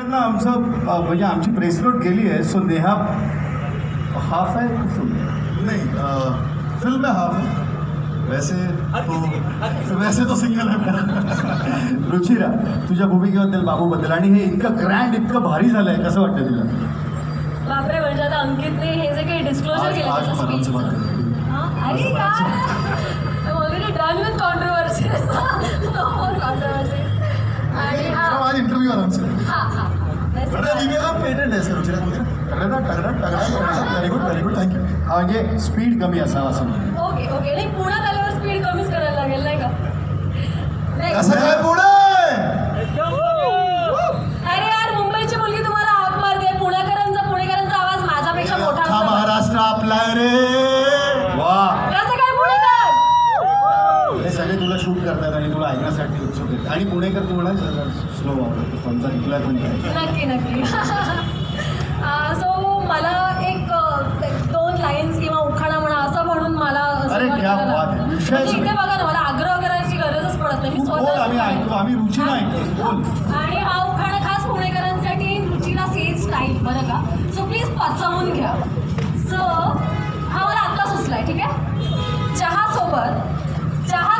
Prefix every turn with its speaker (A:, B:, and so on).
A: नेहाकडनं आमचं म्हणजे आमची प्रेस नोट गेली आहे. सो नेहा हाफ आहे की फुल?
B: नहीं फिल्म में हाफ है, वैसे तो सिंगल है.
A: रुचिरा, तुझ्या भूमिकेबद्दल, बाबूबद्दल आणि हे इतकं ग्रँड, इतकं भारी झालंय, कसं वाटतं तुला?
C: बापरे, म्हणजे आता अंकितने हे जे काही डिस्क्लोजर
B: आज
C: केलं
B: आज हम आराम से बात करेंगे.
C: अरे यार, ऑलरेडी डन विथ कॉन्ट्रोवर्सीज. आणि
B: आज इंटरव्यू आराम से.
C: हा
B: विवेका पेटेंट आहे सर रुचिरा तुझे. Very good thank you.
A: हा म्हणजे स्पीड कमी असावा असं म्हणतो.
C: Okay okay. नाही, पुण्यात आल्यावर स्पीड कमीच करायला लागेल नाही का? नाही.
B: कसं काय पुढे?
C: अरे यार, मुंबईची मुलगी तुम्हाला हाक मारते. पुणेकरांचा आवाज माझ्यापेक्षा मोठा
B: हा
C: असतो.
B: महाराष्ट्र आपला आहे रे.
A: वा,
C: कसं काय पुणेकर?
A: हे सगळे तुला शूट करतात आणि तुला ऐकण्यासाठी उत्सुक आहेत. आणि पुणेकर तू म्हणा स्लो वापरतो, समजा इथला पण काय.
C: नक्की. सो मला एक 2 लाईन्स किंवा उखाणा म्हणा असं म्हणून मला
A: अरे,
C: सुरुवात
A: क्या
C: करायला-
A: बात आहे. विषय
C: म्हणजे
A: सगळे.
C: इथे बघा ना, मला आग्रह करायची गरजच पडत नाही. मी
A: तू बोल, आम्ही ऐकतो, आम्ही रुचीला ऐकतो. बोल.
C: आणि हा उखाणा खास पुणेकरांसाठी, रुचीला सेज स्टाईल, बरं का? सो प्लीज पचवून घ्या. सो हा मला आत्ता सुचलाय, ठीक आहे? चहा